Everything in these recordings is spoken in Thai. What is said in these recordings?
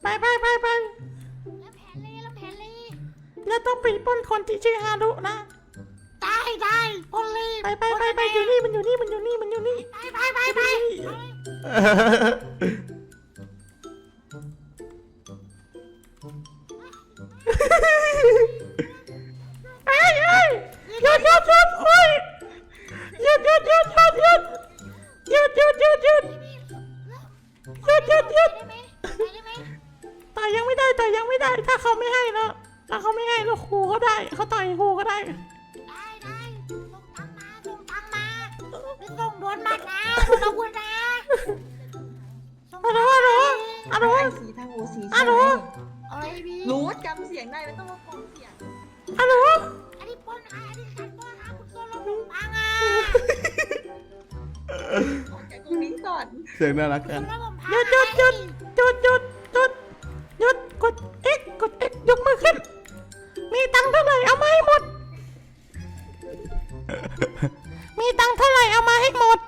ไปแล้วแผนเลยแล้วต้องไปปล้นคนที่ชื่อฮารุนะได้ปนเลยไปอยู่นี่มันอยู่นี่ไปเอ้ยหยุดโอ้ยหยุดต่อยยังไม่ได้ถ้าเขาไม่ให้แล้วถ้าเขาไม่ให้เราขู่เขาได้เขาต่อยขู่ก็ได้ได้ส่งตังมาไม่ส่งโดนมัดนะโดนอาวุธนะฮัลโหลสีทางโอสีฮัลโหลอะไรบีรู้จำเสียงได้ไม่ต้องมาฟังเสียงฮัลโหลอันนี้ปนอันนี้การปนคุณโดนเราลุงพังอ่ะออกจากตรงนี้ก่อนเสียงน่ารักกันหยุดกด X ยกมือขึ้นมีตังค์เท่าไหร่เอามาให้หมดมีตังค์เท่าไหร่เอามาให้หมด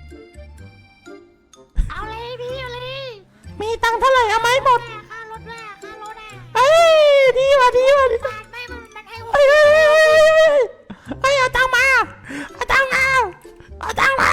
เอาเลยพี่เอาเลยมีตังค์เท่าไหร่เอามาให้หมดค่ารถด้วยค่ารถอ่ะเอ้ยดีว่ะไม่มันให้เอ้ยเอาตังค์มาเอาตังค์มาเอาตังค์มา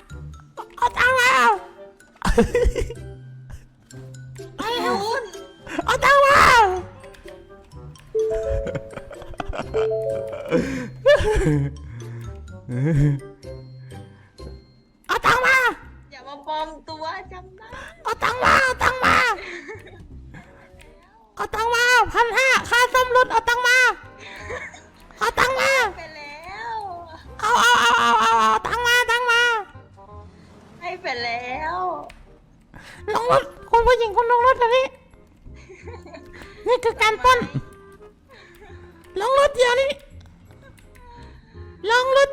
อย่ามาปลอมตัวจำได้เอาตังค์มา1,500ค่าซ่อมรถเอาตังค์มาไปแล้วเอาตังค์มาให้ไปแล้วลงรถคุณผู้หญิงคุณลงรถเดี๋ยวนี้นี่คือการปล้นลงรถเดี๋ยวนี้ลงรถ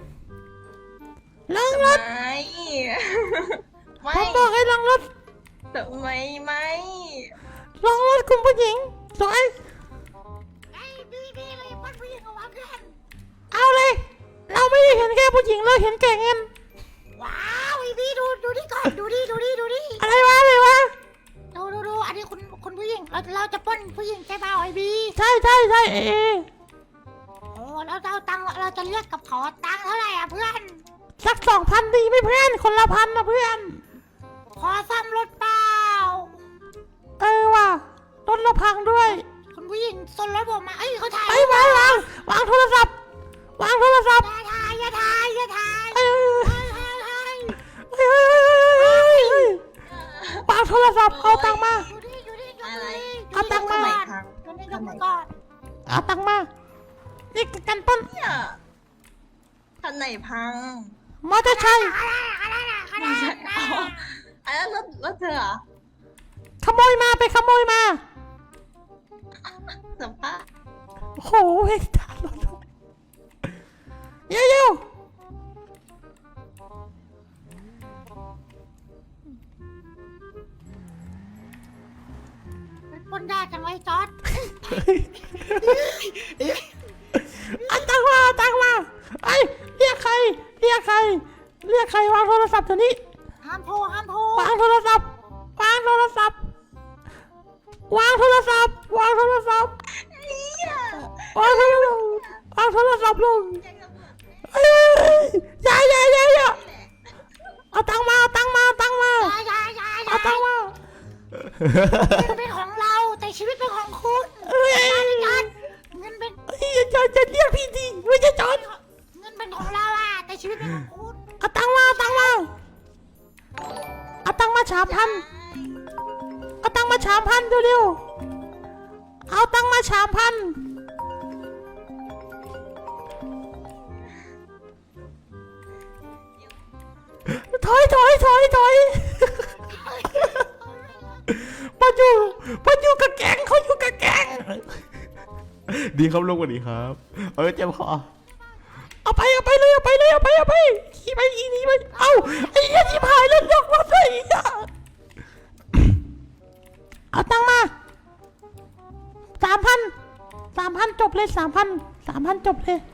ไม่ผมบอกให้ลงรถทำไมไม่ลงรถคุณผู้หญิงสวยไอ้บีเลยปนผู้หญิงเอาวางเพื่อนเอาเลยเราไม่ได้เห็นแค่ผู้หญิงเราเห็นแก่เงินว้าวไอ้บีดูนี่ก่อนดูดิอะไรวะดูอันนี้คุณผู้หญิงเราจะปล้นผู้หญิงใช่เปล่าไอ้บีใช่เอโอ้เราจะเอาตังค์เราจะเรียกกับเขาตังค์เท่าไหร่อ่ะเพื่อนสัก 2,000 ดีไหมเพื่อนคนละ1,000นะเพื่อนขอซ่อมรถเปล่าว่ะรถเราพังด้วยคุณผู้หญิงส่งรถผมมาเอ้ยเขาถ่ายวางโทรศัพท์อย่าถ่ายวางโทรศัพท์เอาตังค์มาอยู่นี่เอาตังค์มายกมือก่อนเอาตังค์มานี่คือการปล้นเนี่ยคันไหนพังมอเตอร์ไซค์ไม่ใช่อันนั้นรถเธอเหรอขโมยมาสัมภาษณ์โอ้โหเฮ้ยตายรถเร็วปล้นได้จังไว้จอดเอาตังค์มาไอ้เรียกใครวางโทรศัพท์เดี๋ยวนี้ห้ามโทรวางโทรศัพท์ลงเอ้ยอย่าเอาตังค์มาอย่าเงินเป็นของเราแต่ชีวิตเป็นของคุณเอ้ยเงินเป็นจะเรียกพี่ดีไม่ใช่จอนเงินเป็นของเราอ่ะแต่ชีวิตเป็นของคุณเอาตังค์มา3,000เร็วๆเอาตังค์มา3,000ถอยมาอยู่กับแก๊งเขาอยู่กับแก๊งดีครับลุงสวัสดีครับเจ็บคอเอาไปขี่ไปอีนี้ไปเอาไอ้เหี้ยชิบหายแล้วยกรถเลยเอาตังค์มา3,000จบเลย3,000จบเลย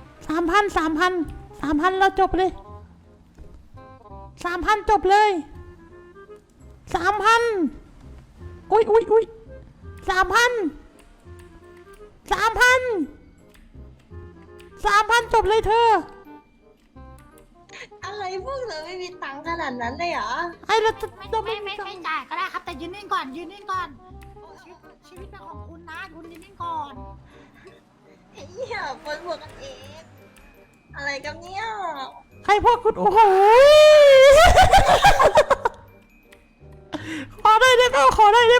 3,000เราจบเลย3,000จบเลย3,000กูอุ้ย3,000จบเลยเธออะไรพวกเธอไม่มีตังค์ขนาดนั้นเลยเหรอไอ้เราจะไม่เราไม่ไม่ไม่จ่ายก็ได้ครับแต่ยืนนิ่งก่อนยืนนิ่งก่อนชีวิตเป็นของคุณนะคุณยืนนิ่งก่อนเฮียปวดหัวกันเองอะไรกันเนี่ยใครพวกคุณโอ้โหขอได้เปล่า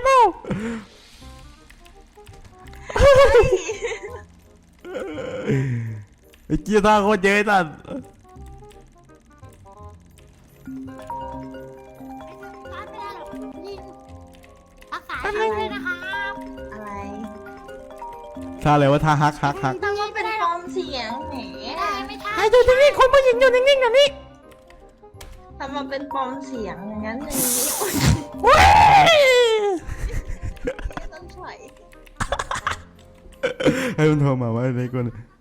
ไอ้เกียร์ท่าโคตรเยอะไอ้สัตว์ไม่ได้หรอกยิงรักษาเลยนะครับอะไรท่าอะไรวะท่าฮักแต่ว่าเป็นฟอร์มเสียงแหมไม่ใช่ไอ้อยู่นิ่งๆคนผู้หญิงอยู่นิ่งๆแบบนี้ทำมาเป็นปลอมเสียงอย่างนั้นอย่างนี้ว้ายไม่ต้องถอยให้มันโทรมาว่าไอ้คน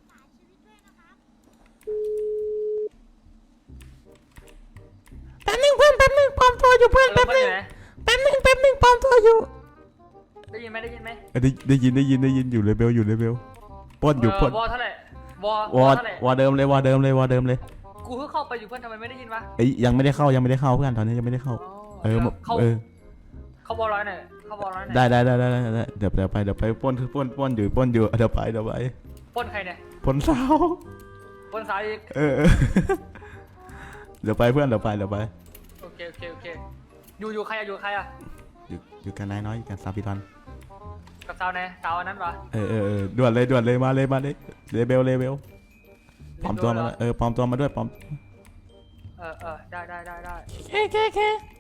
แป๊บนึงเพื่อนแป๊บนึงปลอมตัวอยู่เพื่อนแป๊บนึงปลอมตัวอยู่ได้ยินไหมได้ยินอยู่เลเบลป้อนอยู่ป้อนวอเท่าไหร่วอวอเท่าไหร่วอเดิมเลยกูเพิ่งเข้าไปอยู่เพื่อนทำไมไม่ได้ยินวะเอ้ยยังไม่ได้เข้าเพื่อนตอนนี้ยังไม่ได้เข้าเออเขาวอร้อยหน่อยเขาวอร้อยหน่อยได้เดี๋ยวไปป้อนอยู่เดี๋ยวไปปล้นใครเนี่ยป้อนสาวปล้นสายอีกเออเดี๋ยวไปเพื่อนเดี๋ยวไปโอเคอยู่ใครอะอยู่กันนายน้อยอยู่กันซาบิทอนกับสาวไหนสาวอันนั้นปะด่วนเลยมาเลยเลเบลปลอมตัวมาปลอมตัวมาด้วยปลอมได้เค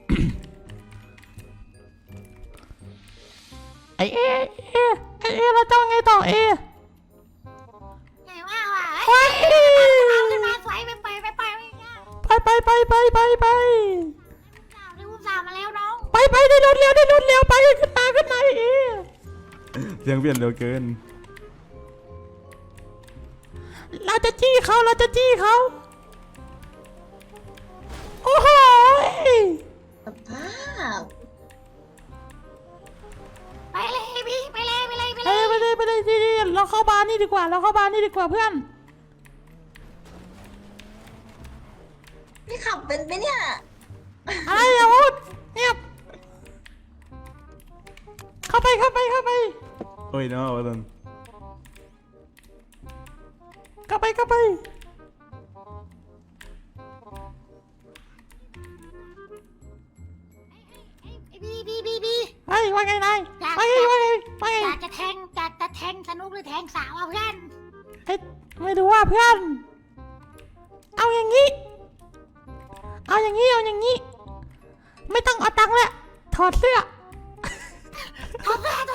ไอเอเราจะไงต่อเอไงว่าว่ะว้ายเอาขึ้นมาสวยไปไม่ยากไปได้อุ้มสาวมาแล้วน้องไปได้รถเร็วไปขึ้นมาเอเสียงเปลี่ยนเร็วเกินเราจะจี้เขาโอ้โหสภาพไปเลยพี่ไปเลยไปเลยดีเราเข้าบาร์นี่ดีกว่าเพื่อนนี่ขับเป็นไหมเนี่ยอะไรอย่าพูดเงียบเข้าไปโอ้ยน้องตอนเข้าไปบีเฮ้ยว่าไงนายว่าไงอยากจะแทงสนุกหรือแทงสาวอ่ะเพื่อนเฮ้ยไม่รู้ว่าเพื่อน เอาอย่างนี้ ไม่ต้องเอาตังค์แล้วถอดเสื้อถอดเสื้อ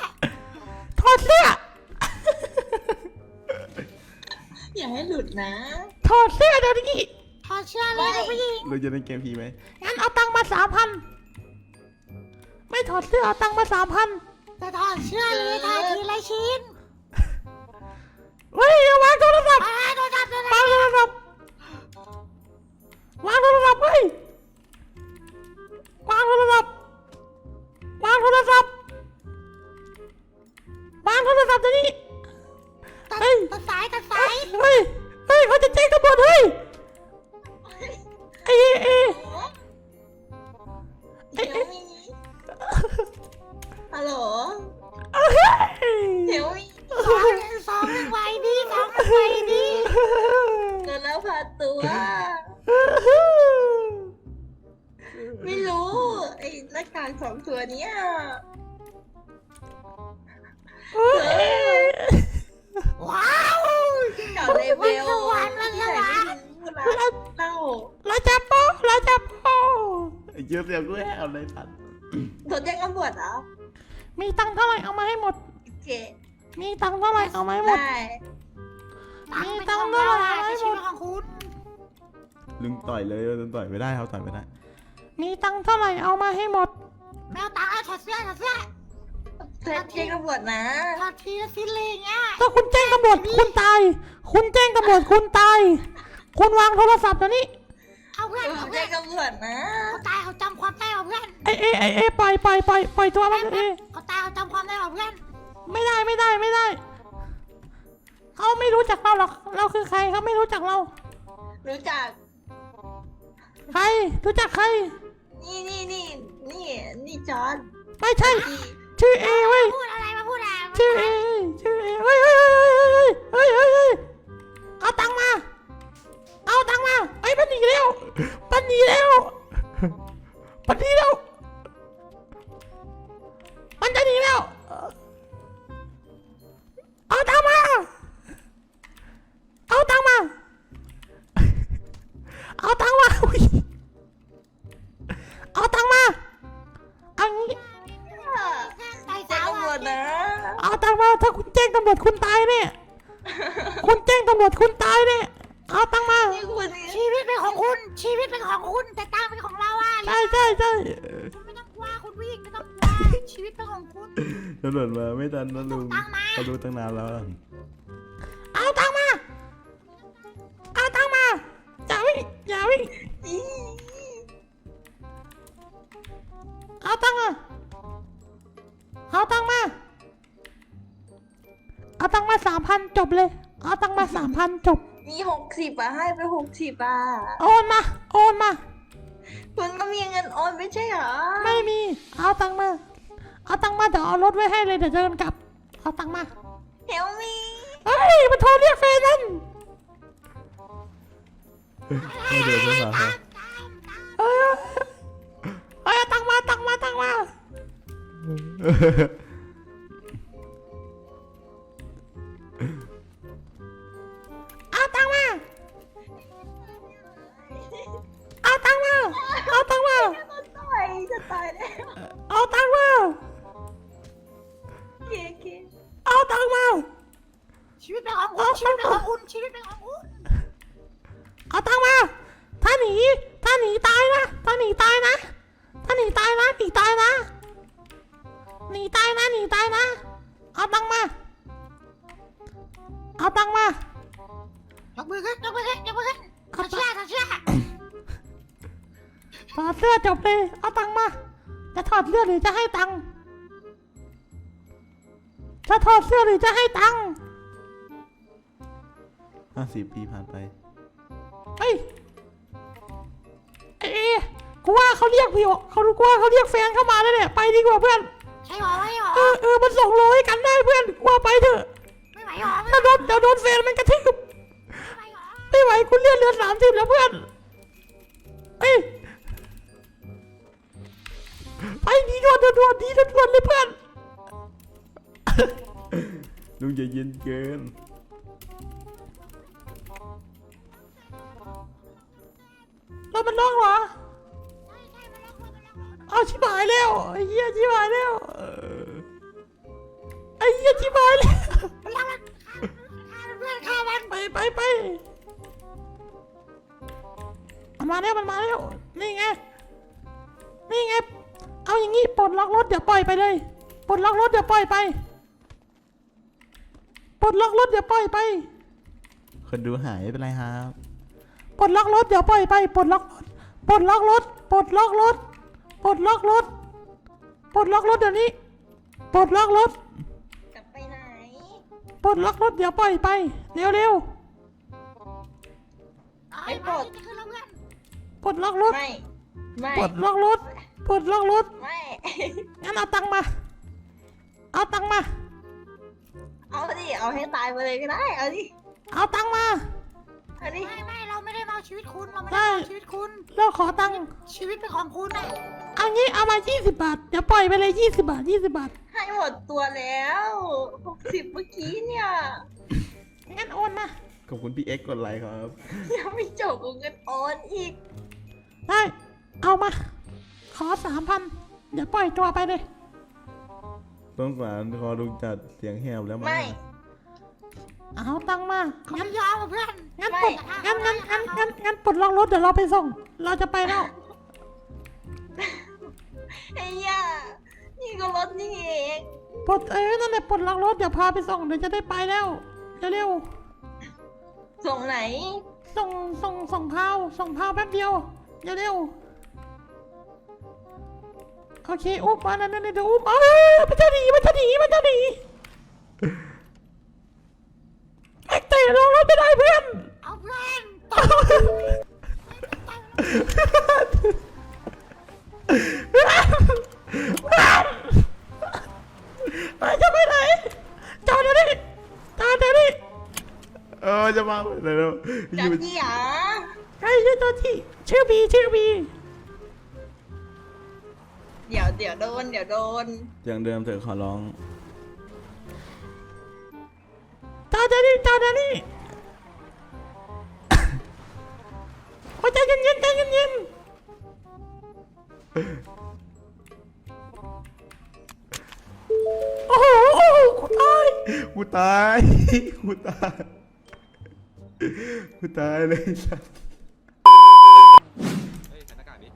อย่าให้หลุดนะถอดเสื้อเดี๋ยวนี้ถอดเสื้อเลยผู้หญิงเราจะเล่นเกมผีไหมงั้นเอาตังค์มา 3,000ไม่ถอดเสื้อเอาตังค์มา 3,000 จะถอดเสื้อเลยทาทีละชิ้นเฮ้ยอย่าวางโทรศัพท์โดนจับวางโทรศัพท์เฮ้ยวางโทรศัพท์เดี๋ยวนี้ตัดสายเฮ้ยเขาจะแจ้งตำรวจเฮ้ยเอเดี๋ยวมีฮัลโหลเฮ้ยเดี๋ยวมีสองไวดีเดินแล้วพาตัว ไม่รู้ไอ้หน้ากาก2 ตัวเนี้ยว้าวกับเลเวลวันสวรรค์เล่าเราจับโป๊ะไอ้เกียร์เสียงกูแหบเลยสัตว์โดนแจ้งตำรวจเหรอมีตังค์เท่าไหร่เอามาให้หมดโอเคมีตังค์เท่าไหร่เอามาให้หมดได้ตังค์เท่าไหร่ชีวิตของคุณลุงต่อยเลยลุงต่อยไม่ได้เขาต่อยไม่ได้มีตังค์เท่าไหร่เอามาให้หมดแมวตังค์ถอดเสื้อแจ้งตำรวจนะถอดทีละชิ้นเลยเงี้ยถ้าคุณแจ้งตำรวจคุณตาย คุณวางโทรศัพท์เดี๋ยวนี้เอาเพื่อนแจ้งตำรวจนะเขาตายเขาจำความได้เพื่อนไอ้ปล่อยตัวมันเอเขาตายเขาจำความได้หรอเพื่อนไม่ได้เขาไม่รู้จักเราหรอกเราคือใครเขาไม่รู้จักเรารู้จักใครรู้จักใครนี่จอร์ดไม่ใช่ชื่อเอเว้ยพูดอะไรมาพูดอะไรชื่อเอเฮ้ยเอาตังค์มาไอ้มันหนีแล้วมันจะหนีแล้วเอาตังค์มาอุ๊ยเอาตังค์มาเอางี้ตายแจ้งสาวตำรวจนะเอาตังค์มาถ้าคุณแจ้งตำรวจคุณตายเนี่ยคุณแจ้งตำรวจคุณตายเนี่ยเอาตังค์มานี่คุณชีวิตเป็นของคุณชีวิตเป็นของคุณแต่ตังค์เป็นของเราอ่ะใช่คุณไม่ต้องกลัวคุณผู้หญิงไม่ต้องกลัวชีวิตเป็นของคุณตำรวจมาไม่ทันนะลุงตังค์มาเขารู้ตั้งนานแล้วเอาตังค์มาอย่าวิ่งเอาตังค์มา3,000จบเลยเอาตังค์มา3,000จบมี60อ่ะให้ไป60อ่ะโอนมาคุณก็มีเงินโอนไม่ใช่เหรอไม่มีเอาตังค์มาเดี๋ยวเอารถไว้ให้เลยเดี๋ยวเดินกลับเอาตังค์มาเฮลมีเฮ้ยมันโทรเรียกแฟนนั่นไม่เดือดใช่ไหมครับเอ้ยเอาตังค์มาเอาตังค์มาจะตายแล้วเอาตังค์มาเคเอาตังค์มาชีวิตเป็นของคุณชีวิตเป็นของคุณชีวิตเป็นของคุณเอาตังค์มาถ้าหนีตายนะหนีตายนะเอาตังค์มายกมือขึ้นถอดเสื้อถอดเสื้อจบเลยเอาตังค์มาจะถอดเสื้อหรือจะให้ตังค์จะถอดเสื้อหรือจะให้ตังค์ 50 ปีผ่านไปเอ้กูว่าเขาเรียกพี่เขารู้ว่าเขาเรียกแฟนเข้ามาแล้วเนี่ยไปดีกว่าเพื่อนใช่หรอไม่หรอมันส่งโลให้กันได้เพื่อนกว่าไปเถอะไม่ไหวหรอถ้าเดี๋ยวโดนแฟนมันกระทืบไม่ไหวหรอไม่ไหวคุณเลือด30แล้วเพื่อนไปดีด่วนเลยเพื่อนลุงใจเย็นเกินเรามันร้องเหรอเอาชิบหายแล้วไอ้เหี้ยชิบหายแล้วเพื่อนฆ่ามันไปมันมาแล้วนี่ไงเอาอย่างงี้ปลดล็อกรถเดี๋ยวปล่อยไปเลยปลดล็อกรถเดี๋ยวปล่อยไปคนดูหายไม่เป็นไรครับปลดล็อกรถเดี๋ยวปล่อยไปปลดล็อกรถเดี๋ยวนี้ปลดล็อกรถกลับไปไหนปลดล็อกรถเดี๋ยวปล่อยไปเร็วไม่ปลดคือเราเพื่อนปลดล็อกรถไม่ปลดล็อกรถไม่งั้นเอาตังค์มาเอาดิเอาให้ตายไปเลยก็ได้เอาดิเอาตังค์มาเอาดิไม่เราไม่ได้มาชีวิตคุณเราไม่ได้มาชีวิตคุณเราขอตังค์ชีวิตเป็นของคุณนะเอางี้เอามา20 บาทเดี๋ยวปล่อยไปเลย20 บาทให้หมดตัวแล้ว60เมื่อกี้เนี่ยงั้นโอนมาขอบคุณพี่เอ็กซ์กดไลค์ครับยังไม่จบเงินโอนอีกได้เอามาขอ3,000เดี๋ยวปล่อยตัวไปเลยต้องสารคอลุงจัดเสียงแหบแล้วมั้งไม่เอาตังค์มาเขางั้นไม่ยอมเพื่อนงั้นปลดงั้นปลดล็อกรถเดี๋ยวเราไปส่งเราจะไปแล้วไอ้ย่านี่ก็รถนี่เองปลดนั่นแหละปลดล็อกรถเดี๋ยวพาไปส่งเดี๋ยวจะได้ไปแล้วเร็วส่งไหนส่งพาวแป๊บเดียวเร็วโอเคอุ้มมานั่นเดี๋ยวอุ้มมันจะหนีไอ้เตะลงรถไม่ได้เพื่อนเอาเพื่อนไปจะไปไหนจอดเดี๋ยวนี้จะมาเร็วจอจี้หรอใช่ชื่อตัวที่ชื่อบีเดี๋ยวโดนอย่างเดิมเถอะขอร้องจอดเดี๋ยวนี้โอ้ใจเย็นโอ้โหกูตายเลยสัสเฮ้ยใส่หน้ากากดิ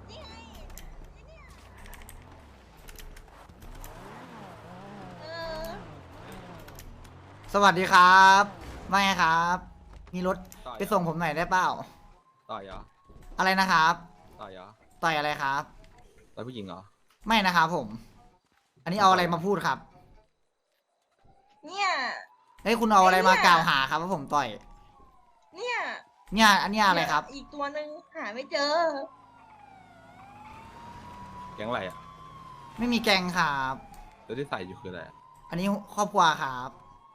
เออสวัสดีครับว่าไงครับ มีรถไปส่งผมหน่อยได้เปล่าต่อยเหรออะไรนะครับต่อยเหรอต่อยอะไรครับต่อยผู้หญิงเหรอไม่นะครับผม อันนี้เอาอะไรมาพูดครับเนี่ยเฮ้ยคุณเอาอะไรมากล่าวหาครับว่าผมต่อยเนี่ยเนี่ยอันเนี้ยอะไรครับอีกตัวหนึ่งหาไม่เจอแก๊งอะไรอ่ะไม่มีแกงครับแล้วที่ใส่อยู่คืออะไรอะอันนี้ครอบครัวครับ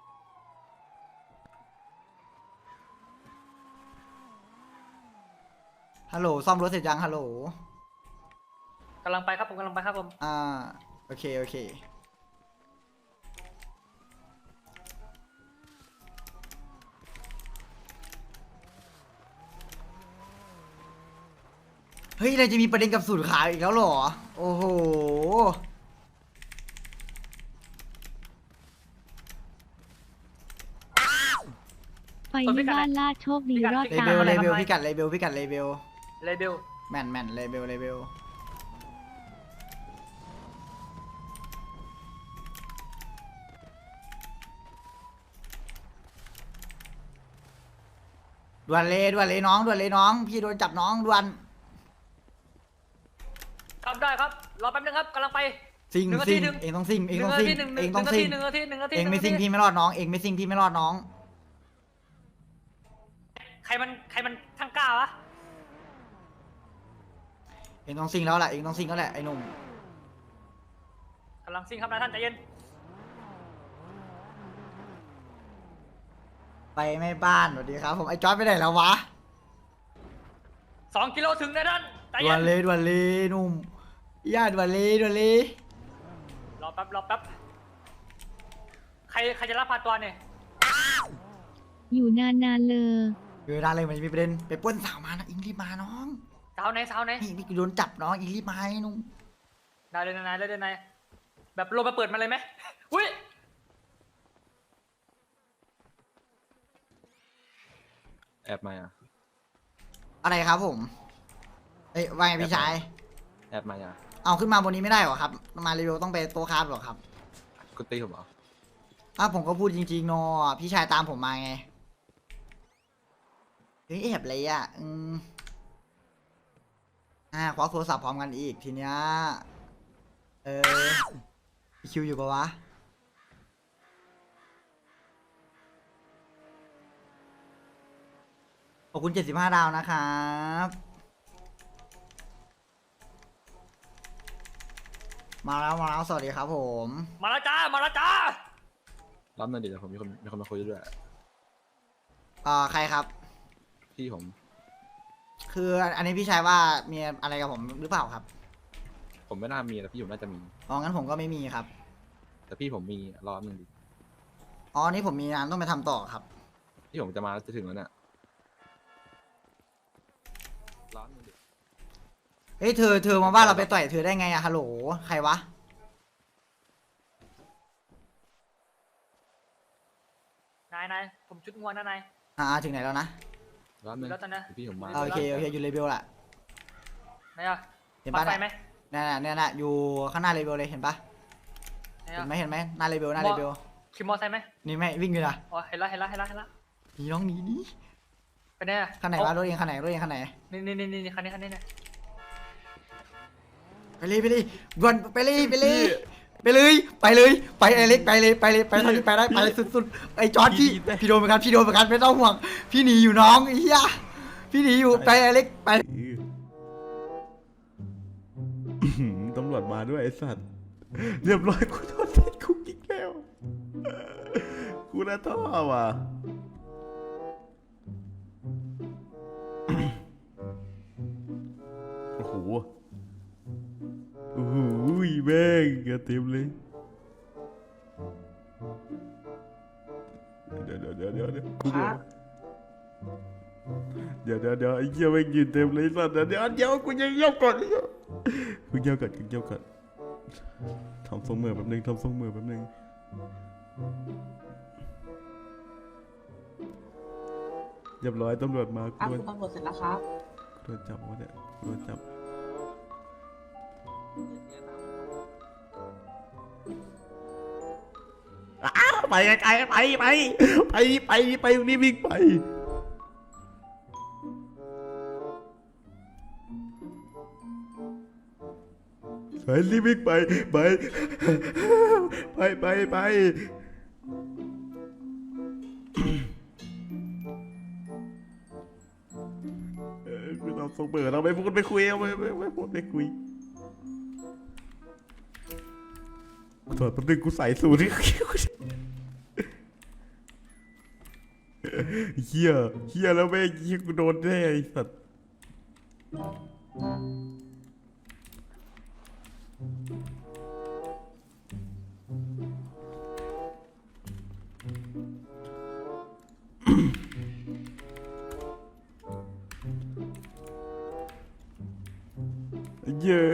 ฮัลโหลซ่อมรถเสร็จยังฮัลโหลกำลังไปครับผมกำลังไปครับผมโอเคเฮ้ยเราจะมีประเด็นกับสูตรขาวอีกแล้วเหรอ โอ้โหไปที่บ้านลาดโชคดีรอดเลตาเบลยเลเบลพิกัดเลเบลเลเบลแม่นเลเบลด่วนเลยน้องพี่โดนจับน้องด่วนครับได้ครับรอแป๊บนึงครับกำลังไปซิงหนึ่งนาทีหนึ่งเองต้องซิงหนึ่งนาทีหนึ่งนาทีเองไม่ซิงพี่ไม่รอดน้อง เองไม่ซิงพี่ไม่รอดน้องใครมันทั้งกล้าวะเองต้องซิงแล้วแหละไอ้หนุ่มกำลังซิ่งครับนายท่านใจเย็นไปไม่บ้านสวัสดีครับผมไอ้จอร์จไปไหนแล้ววะ 2 กิโลถึงนายท่านใจด่เย็วนนเลยหนุ่มย่าด่วนเลยรอแป๊บใครจะรับพาตัวเนี่ยอยู่นานๆเลยอยู่ได้เลยมันมีประเด็นไปปล้นสาวมานะอิงรีบมาน้องสาวไหนนี่โดนจับน้องอิงรีบมาไอ้หนุ่มได้เลยนายแบบลงมาเปิดมันเลยไหมอุ้ยแอบมาอ่ะอะไรครับผมเอ้ยว่าไงพี่ชายแอบมาอ่ะเอาขึ้นมาบนนี้ไม่ได้หรอครับมารีวิวต้องไปโต๊ะคราฟหรอครับกูตีผมเหรอผมก็พูดจริงๆเนาะพี่ชายตามผมมาไงเฮ้ยแอบเลยอ่ะควักโทรศัพท์พร้อมกันอีกทีเนี้ยคิวอยู่ปะวะขอบคุณ75 ดาวนะครับมาแล้วสวัสดีครับผมมาแล้วจ้ารับหน่อยดิเดี๋ยวผมมีคนมาคุยด้วยใครครับพี่ผมคืออันนี้พี่ชายว่ามีอะไรกับผมหรือเปล่าครับผมไม่น่ามีแต่พี่ผมน่าจะมีงั้นผมก็ไม่มีครับแต่พี่ผมมีรอบนึงดินี่ผมมีงานต้องไปทำต่อครับพี่ผมจะมาแล้วจะถึงแล้วเนี่ยรอบนึงดิเฮ้ยเธอมาว่าเราไปต่อยเธอได้ไงอะฮัลโหลใครวะนายผมชุดงัวนะนายถึงไหนแล้วนะรอบนึงแล้วตอนนะพี่ผมมาโอเคอยู่เลเบลละไหนอะเห็นปัปะกไฟไหมเนี่ยอยู่ข้างหน้าเลเบลเลยเห็นปะไหนเห็อะนไหมหน้าเลเบลขี่มอไซค์ไหมนี่ไม่วิ่งอยู่นะอ๋อเห็นแล้วหนีน้องหนีดิไปไหนอะคันไหนวะรถเองคันไหนนี่คันนี้เนี่ยไปเลยด่วนไปเลยไปไอเล็กไปเลยไปเท่าที่ไปได้ไปสุดๆไอจอร์ดพี่โดนเหมือนกันไม่ต้องห่วงพี่หนีอยู่น้องไอ้เหี้ยพี่หนีอยู่ไปไอเล็กไปตำรวจมาด้วยไอ้สัตว์เรียบร้อยกูโดนติดคุกอีกแล้วกูน่าท้อว่ะโอ้โหแม่งกระเต็มเลยเดี๋ยวกูเดี๋ยวไอ้เหี้ยแม่งยืนเต็มเลยสัตว์เดี๋ยวกูยังเยี่ยวก่อนกูเยี่ยวก่อนทำทรงมือแป๊บนึงเรียบร้อยตำรวจมาครับคุณตำรวจเสร็จแล้วครับโดนจับวะเนี่ยโดนจับไปไกลไปตรงนี้วิ่งไปไปรีบวิ่งไปคือเราส่งเปิดเราไม่พูดไม่คุยเอาไม่พูดไม่คุยถอดแป๊บนึงกูใส่สูทที่เฮียแล้วแม่งเฮียกูโดนแน่ไอ้สัตว์เย้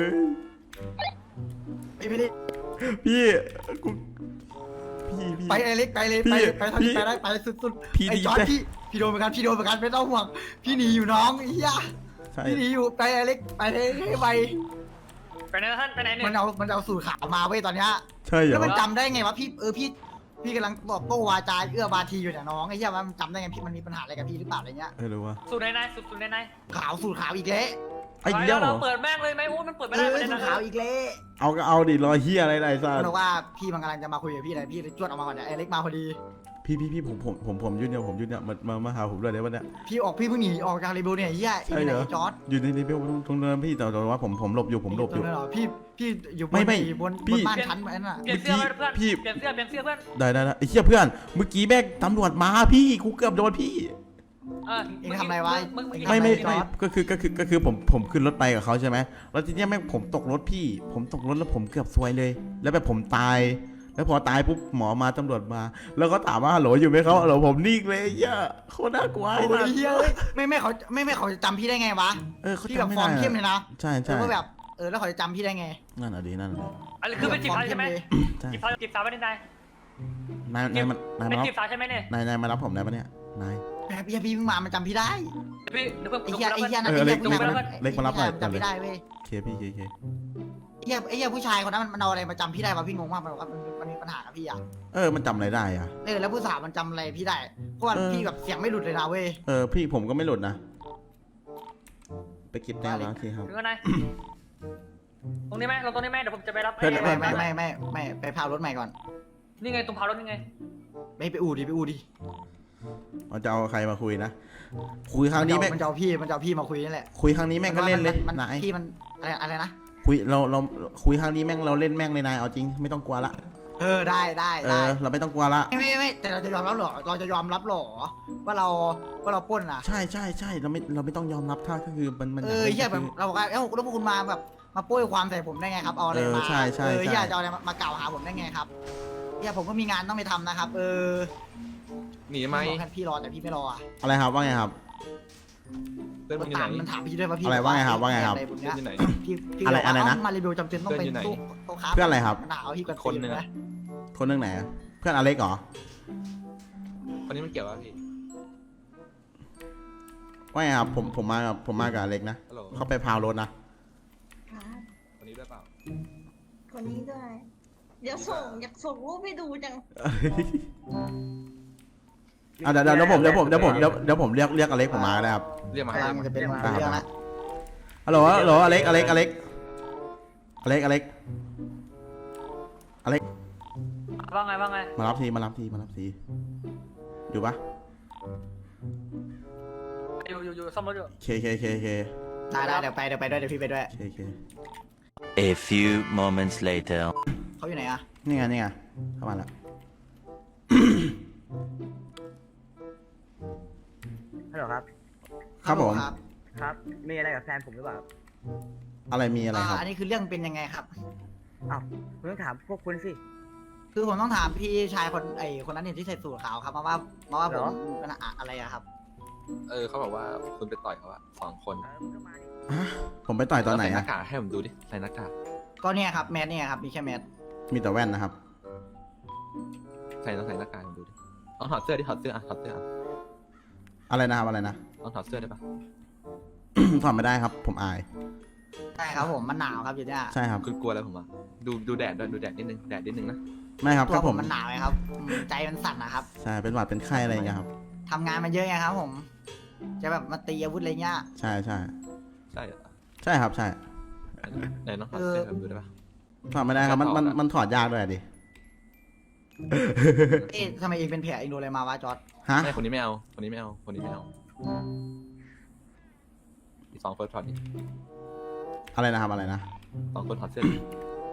ไปเลยพี่กูพี่ไปไอเล็กไปเลยไปเท่าที่ไปได้ไปสุดๆไอจอร์ดพี่โดนเหมือนกันไม่ต้องห่วงพี่หนีอยู่น้องไอ้เหี้ยพี่หนีอยู่ไปไอเล็กไปเลยไปไปไหนท่านไปไหนเนี่ยมันเอาสูตรขาวมาเว้ยตอนเนี้ยใช่เหรอแล้วมันจำได้ไงวะพี่กำลังตอบโต้วาจาเอื้อบาทีอยู่เนี่ยน้องไอ้เหี้ยมันจำได้ไงพี่มันมีปัญหาอะไรกับพี่หรือเปล่าอะไรเงี้ยหรือวะสูตรไหนสูตรไหนสูตรขาวอีกแล้วไอ้เหี้ยเหรอเราเปิดแม่งเลยไหมโอ้มันเปิดไม่ได้ประเด็นสูนะตรขาวอีกแล้วเอาก็เอาดิรอเฮียอะไรไรซ่ามันบอกว่าพี่มันกำลังจะมาคุยกับพี่เลยพี่จวดออกมาก่อนเนี่ยไอเล็กมาพอดีพี่ผมยืนเนี่ยมาหาผมด้วยได้ปะเนี่ยพี่เพิ่งหนีออกจากเรเบลเนี่ยเหี้ยอีไหนจอร์ดอยู่ในเบลตรงเนินพี่แต่ว่าผมหลบอยู่ผมหลบอยู่พี่อยู่บนไม่บนบ้านชั้นนั่นน่ะเปลี่ยนเสื้อเพื่อนเปลี่ยนเสื้อเพื่อนได้ไอ้เหี้ยเพื่อนเมื่อกี้แม่งตำรวจมาพี่กูเกือบโดนพี่เองทำอะไรวะไม่ก็คือผมขึ้นรถไปกับเขาใช่ไหมแล้วทีเนี้ยแม่งผมตกรถพี่ผมตกรถแล้วผมเกือบซวยเลย แล้วแบบผมตายแล้วพอตายปุ๊บหมอมาตำรวจมา แล้วก็ถามว่าฮัลโหลอยู่ไหมเขาฮัลโหลผมนิ่งเลยเหี้ยโคตรน่ากลัวโอ้ยเหี้ยไม่เขาจะจำพี่ได้ไงวะเขาพี่แบบจำไม่ฟอได้ร์มเข้มเลยนะใช่แล้วก็แบบแล้วเขาจะจำพี่ได้ไงนั่นอ่ะดีอะไรคือเป็นจีบสาวใช่ไหมใช่จีบสาวไม่ได้นายนายเป็นมาจีบสาวใช่ไหมเนี่ยนายมารับผมได้ปะเนี่ยนายแบบพี่เพิ่งมามันจำพี่ได้พี่เดี๋ยวเพิ่มไอ้เหี้ยนั่นเล็กผู้ชายเล็กมารับหน่อยจำพี่ได้เว้ยเคพี่เคไอ้เหี้ยผู้ชายคนนั้นมันเอาอะไรมาจำพี่ได้วะพี่งงมากมันบอกว่ามันมีปัญหากับพี่อ่ะมันจำอะไรได้อ่ะแล้วผู้สาวมันจำอะไรพี่ได้เพราะว่าพี่แบบเสียงไม่หลุดเลยนะเว้ยพี่ผมก็ไม่หลุดนะไปเก็บแต้มแล้วโอเคครับถึงกันนายตรงนี้ไหมเราตรงนี้ไหมเดี๋ยวผมจะไปรับไม่ไปพารถใหม่ก่อนนี่ไงตรงพารถนี่ไงไปอู่ดิเราจะเอาใครมาคุยนะคุยครั้งนี้แม่งมันจะเอาพี่มาคุยนั่นแหละคุยครั้งนี้แม่งก็เล่นเลยมันนายพี่มันอะไรนะคุยเราคุยครั้งนี้แม่งเราเล่นแม่งเลยนายเอาจริงไม่ต้องกลัวละได้เราไม่ต้องกลัวละไม่แต่เราจะยอมรับหรอว่าเราปล้นอ่ะใช่เราไม่ต้องยอมรับถ้าก็คือมันเฮียแบบเราบอกว่าแล้วพวกคุณมาแบบมาโป้ยความใส่ผมได้ไงครับเอาอะไรมาใช่เฮียจะเอาอะไรมากล่าวหาผมได้ไงครับเฮียผมก็มีงานต้องไปทำนะครับหนีไหมพี่รอแต่พี่ไม่รออ่ะอะไรครับว่าไงครับเพื่อนมึงอยู่ไหนมันถามพี่ด้วยว่าพี่อะไรว่าไงครับเพื่อนอยู่ไหนพี่อะไรนะมารีวิวจำเป็นต้องเป็นโต๊ะค้าเพื่อนอะไรครับมันหาพี่กันคนหนึ่งนะคนเรื่องไหนเพื่อนอเล็กเหรอคนนี้มันเกี่ยวกับพี่ว่าไงครับผมมากับอเล็กนะฮัลโหลเขาไปพาวรถนะคนนี้ด้วยเปล่าคนนี้ด้วย อยากส่งรูปให้ดูจังเดี๋ยวผมเรียกอเล็กผมมาได้ครับเรียกมาอะไรมันจะเป็นเรื่องละฮัลโหลอเล็กอเล็กว่าไงว่าไงมารับทีอยู่ปะอยู่ซ่อมรถอยู่เคได้เดี๋ยวไปด้วยเดี๋ยวพี่ไปด้วยเค A few moments later. เขาอยู่ไหนอะนี่ไงเข้ามาแล้วฮัลโหลครับครับผมครับครับ มีอะไรกับแฟนผมหรือเปล่าครับอะไรมีอะไรครับอันนี้คือเรื่องเป็นยังไงครับอ้าวคุณต้องถามพวกคุณสิคือผมต้องถามพี่ชายคนนั้นเนี่ยที่ใส่สูทขาวครับมาว่าผเหรอมเป็นอะไรอะครับเขาบอกว่าคุณไปต่อยเขาอะ2 คนคุณก็มาดิผมไปต่อยตอนไหนใส่หอะน้ากากให้ผมดูดิใส่หน้ากากก็เนี่ยครับแมสเนี่ยครับมีแค่แมสมีแต่แว่นนะครับใส่หน้ากากให้ผมดูดิต้องถอดเสื้อดิถอดเสื้ออะถอดเสื้ออะอะไรนะครับอะไรนะต้องถอดเสื้อได้ปะถอดไม่ได้ครับ ผมอายใช่ครับผมมันหนาวครับอยู่เนี่ยใช่ครับคุณกลัวอะไรผมอะดูแดดด้วยดูแดดนิดนึงแดดนิดนึงนะไม่ครับตัก็วผผม มมันหนาวไงครับใจมันสั่นนะครับใช่เป็นหวัดเป็นไข้อะไรอย่างเงี้ยครับทำงานมันเยอะไงครับผม จะแบบมาตีอาวุธอะไรเงี้ยใช่ใช่เหรอใช่ครับใช่ไหนต้องถอดเสื้อให้ผมดูได้ปะถอดไม่ได้ครับมันถอดยากด้วยดิเอ๊ะทำไมเองเป็นแผลเองโดนอะไรมาวะจอร์ดฮะไม่คนนี้ไม่เอาคนนี้ไม่เอาอีก2 คนถอดดิอะไรนะครับอะไรนะ 2 คนถอดเสื้อดิ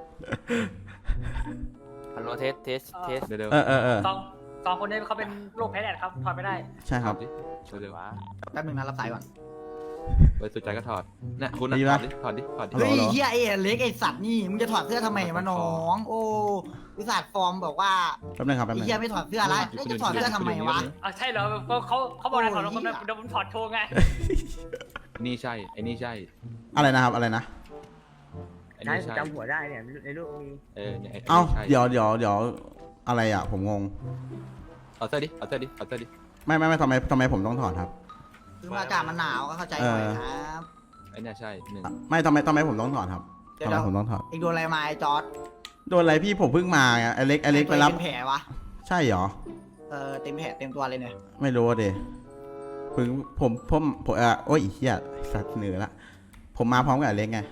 ฮัลโหลเทสเทสเร็วเออสองคนนี้เขาเป็นโรคแพ้แดดครับถอดไม่ได้ใช่ๆครับถอดดิเร็วแป๊บนึงนะรับสายก่อนๆไปสุดใจก็ถอดเนี่ยคุณนะดีถปะอดดิฮัลโหลเฮ้ยเหรอเฮียไอ้เล็กไอ้สัตว์นี่มึงจะถอดเสื้อทำไมวะน้อง โอ้วิสัทฟอร์มบอกว่าแป๊บนึงครับแป๊บไอ้นึงเฮียไม่ถอดเสื้อแล้วแล้วจะถอดเสื้อทำไมวะอ่ะใช่เหรอเขาบอกอะไรถอดแล้วผมเดี๋ยวผมถอดโชว์ไงนี่ใช่ไอ้นี่ใช่อะไรนะครับอะไรนะไอ้ใช่นี่ใช่จำหัวได้เนี่ยในรูปมีเนี่ยไอ้เอ้านี่ใช่เดี๋ยวอะไรอ่ะผมงงเอาเสื้อดิไม่ทำไมผมต้องถอดครับคืออากาศมันหนาวก็เข้าใจหน่อยครับไอ้เนี่ยใช่1 ไม่ทำไมผมต้องถอดครับเดี๋ยวทำไมผมต้องถอดเองโดนอะไรมาไอ้จอร์ดโดนอะไรพี่ผมเพิ่งมาไงไอเล็กไปรับเป็นแผลวะใช่เหรอเต็มแผลเต็มตัวเลยเนี่ยไม่รู้เดเพิ่งผมโอ้ยเฮียสัตว์เหนือละผมมาพร้อมกับไอเล็กไง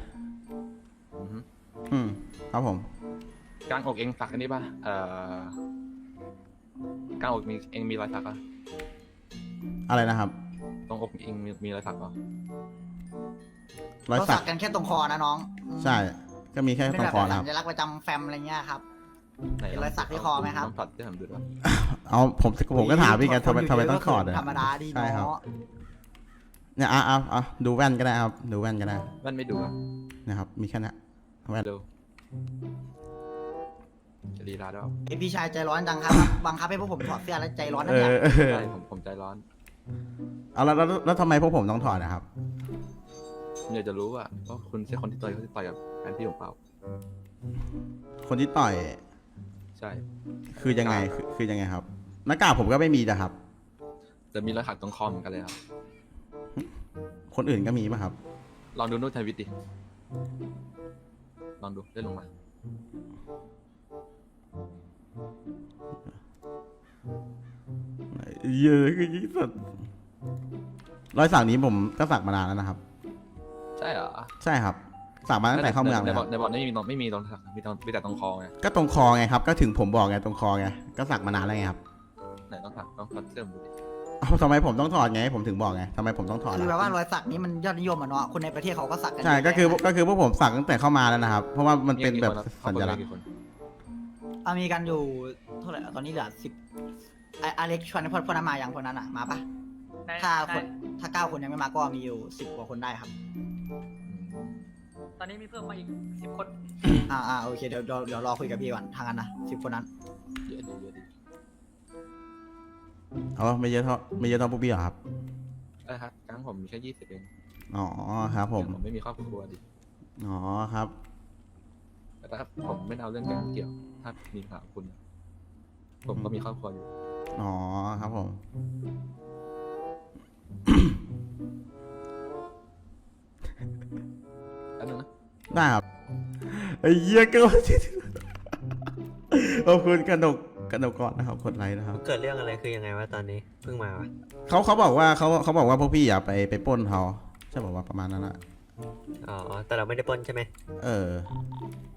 ครับผมกลางอกเองสักอันนี้ป่ะกลางอกเองมีรอยสักป่ะอะไรนะครับตรงอกเองมีรอยสักป่ะรอยเราสัสักกกันแค่ตรงคอนะน้องใช่ ก็มีแค่เป็นตรแบงบคอนะคสัรับญลักษณ์ประจำแฟมอะไรเงี้ยครับไหนมีรอยสักที่คอไหมครับต้องถอดเสื้อผมดูด้วยเอาผมก็ถามพี่ไงทำไมต้องถอดอะธรรมดาดีใช่ครับเนาะเนี่ยเอาดูแว่นก็ได้ครับ ดูแว่นก็ได้มันไม่ดูอ่ะนะครับ มีแค่นี้แว่นเร็วจะลีลาด้วยไอพี่ชายใจร้อนจังครับ บังคับให้พวกผมถอดเสื้อแล้วใจร้อนนะเอเนี่ยอใช่ผมใจร้อนเอาแล้วทำไมพวกผมต้องถอดนะครับผมอยากจะรู้ว่าคุณใช่คนที่ต่อยกับแฟนพี่ผมเปล่าคนที่ต่อยใช่คือยังไงคือยังไงครับหน้ากากผมก็ไม่มีนะครับจะมีรอยสักตรงคอเหมือนกันเลยครับคนอื่นก็มีป่ะครับลองดูนู่นทวิตดิลองดูเลื่อนลงมาเยอะคือยิ่งสุดรอยสักนี้ผมก็สักมานานแล้วนะครับใช่เหรอใช่ครับ สักมาตั้งแต่เข้าเมืองในเลยบคอรับกในบอกไม่มีตรงสักมีแต่ตรงคอไงก็ตรงคอไงครับ ก็ถึงผมบอกไงตรงคอไง ก็สักมานานแล้วไงครับไหนต้องถอดเสื้อผมดูดิเอาทำไมผมต้องถอดไง ผมถึงบอกไงทำไมผมต้องถอดคือแบบล่ะว่ารอยสักนี้มันยอดนิยมอ่ะเนาะคนในประเทศเขาก็สักกันใช่ก็คือพวกผมสักตั้งแต่เข้ามาแล้วนะครับ เพราะว่ามันเป็นแบบสัญลักษณ์กี่คนมีกันอยู่เท่าไหร่ตอนนี้เหลือ10อเล็กชวนพวกนั้นมาอย่างพวกนั้นอ่ะมาปะถ้า9 คนยังไม่มาก็มีอยู่10 กว่าคนได้ครับตอนนี้มีเพิ่มมาอีก10 คนโอเคเดี๋ยวรอคุยกับพี่ก่อนทางนั้นนะ10 คนนั้นเยอะดีเอาไม่เยอะเท่าพวกพี่เหรอครับได้ครับกลางผมมีแค่20เองอ๋อครับผมไม่มีครอบครัวดิอ๋อครับแต่ถ้าผมไม่เอาเรื่องแกงเกี่ยว ถ้ามีปัญหากับคุณ ผมก็มีครอบครัวอยู่อ๋อครับผมอันนึงนะได้ครับไอ้เหี้ยก็ขอบคุณกระดกก่อนนะครับกดไลค์นะครับเกิดเรื่องอะไรคือยังไงวะตอนนี้เพิ่งมาวะเขาบอกว่าพวกพี่อย่าไปปล้นเขาใช่บอกว่าประมาณนั้นนะอ๋อ แต่เราไม่ได้ปล้นใช่ไหมเออ